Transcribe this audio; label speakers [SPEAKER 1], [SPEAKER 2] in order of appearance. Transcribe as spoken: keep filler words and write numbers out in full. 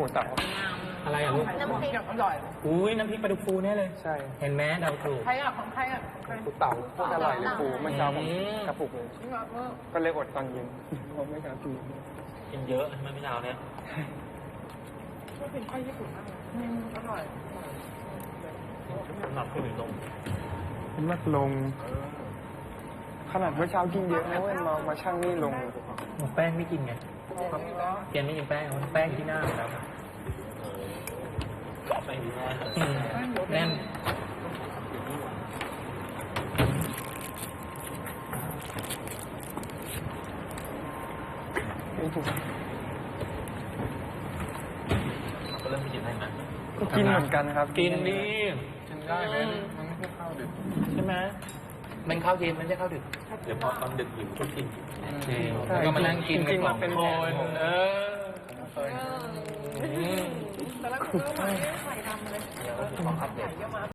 [SPEAKER 1] เสา
[SPEAKER 2] อะไรอ่ะลูก
[SPEAKER 3] น้ำพริกอร่อย
[SPEAKER 2] อุ้ยน้ำพริกปลาดุกฟูแน่เลย
[SPEAKER 1] ใช่
[SPEAKER 2] เห็นไหมเดาถูก
[SPEAKER 3] ใครอ่ะของใครอ่ะ
[SPEAKER 1] ปูเต่าโคตรอร่อยเลยปูเมื่อเช้าผม
[SPEAKER 2] อืม
[SPEAKER 1] กระปุกเลย
[SPEAKER 3] นี่แบบว่า
[SPEAKER 1] ก็เลยอดตอนเย็นเพราะไม่กล้ากิน
[SPEAKER 2] กินเยอะใช่ไหมพี่ดาวเนี่ย
[SPEAKER 3] ก็เป็นข้าวญี่ปุ่นมากเลยอืมอร่อย
[SPEAKER 2] สำหรับผู้หญิงลง
[SPEAKER 1] เป็นมัดลง ขนาดเมื่อเช้ากินเยอะนะเว้ยมามาช่างนี่ลง
[SPEAKER 2] แป้งไม่กินไงเกมไม่กินแป้งแป้งที่หน้าแล้วแป้งที่หน้าแน่น ก็เริ่มกินได้ไหม
[SPEAKER 1] ก็กินเหมือนกันครับ
[SPEAKER 2] กินดี
[SPEAKER 1] กินได้ไหมมันไม่ใช่ข้าวดึก
[SPEAKER 2] ใช่ไหมมันข้าวเย็นมันไม่ใช่ข้าวดึกเดี๋ยวพอตอนดึกหิวก็กินแล้วก็มานั่งกินกันสองคนเออ
[SPEAKER 3] แต่ละคนก็มาใส่ดำเลย
[SPEAKER 2] เดี๋ยวขออัปเดต